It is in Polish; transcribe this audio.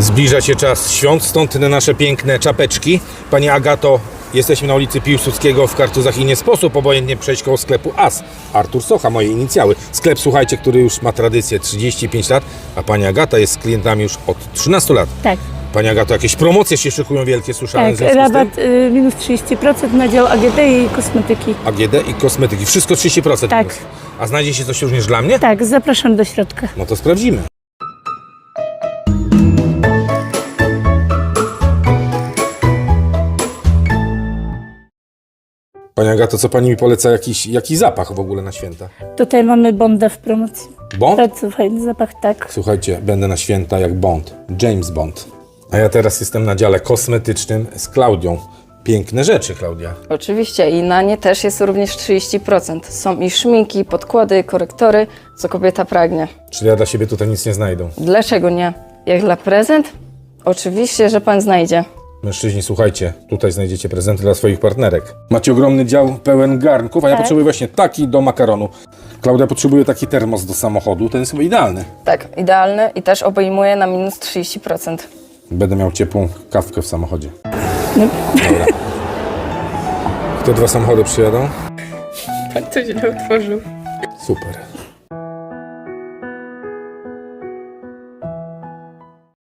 Zbliża się czas świąt, stąd te nasze piękne czapeczki. Pani Agato, jesteśmy na ulicy Piłsudskiego w Kartuzach i nie sposób obojętnie przejść koło sklepu AS. Artur Socha, moje inicjały. Sklep, słuchajcie, który już ma tradycję 35 lat, a pani Agata jest z klientami już od 13 lat. Tak, Pani Agato, jakieś promocje się szykują wielkie, słyszałem. tak. Rabat minus 30% na dział AGD i kosmetyki. AGD i kosmetyki. Wszystko 30%. Tak. Minus. A znajdzie się coś również dla mnie? Tak, zapraszam do środka. No to sprawdzimy. Pani Agato, co pani mi poleca? Jaki zapach w ogóle na święta? Tutaj mamy Bonda w promocji. Bond? Bardzo fajny zapach, tak. Słuchajcie, będę na święta jak Bond. James Bond. A ja teraz jestem na dziale kosmetycznym z Klaudią. Piękne rzeczy, Klaudia. Oczywiście i na nie też jest również 30%. Są i szminki, podkłady, korektory, co kobieta pragnie. Czyli ja dla siebie tutaj nic nie znajdę. Dlaczego nie? Jak dla prezent? Oczywiście, że pan znajdzie. Mężczyźni, słuchajcie, tutaj znajdziecie prezenty dla swoich partnerek. Macie ogromny dział pełen garnków, a ja Tak. potrzebuję właśnie taki do makaronu. Klaudia potrzebuje taki termos do samochodu, ten jest chyba idealny. Tak, idealny i też obejmuje na minus 30%. Będę miał ciepłą kawkę w samochodzie. No. Dobra. Te dwa samochody przyjadą? Pan to źle otworzył. Super.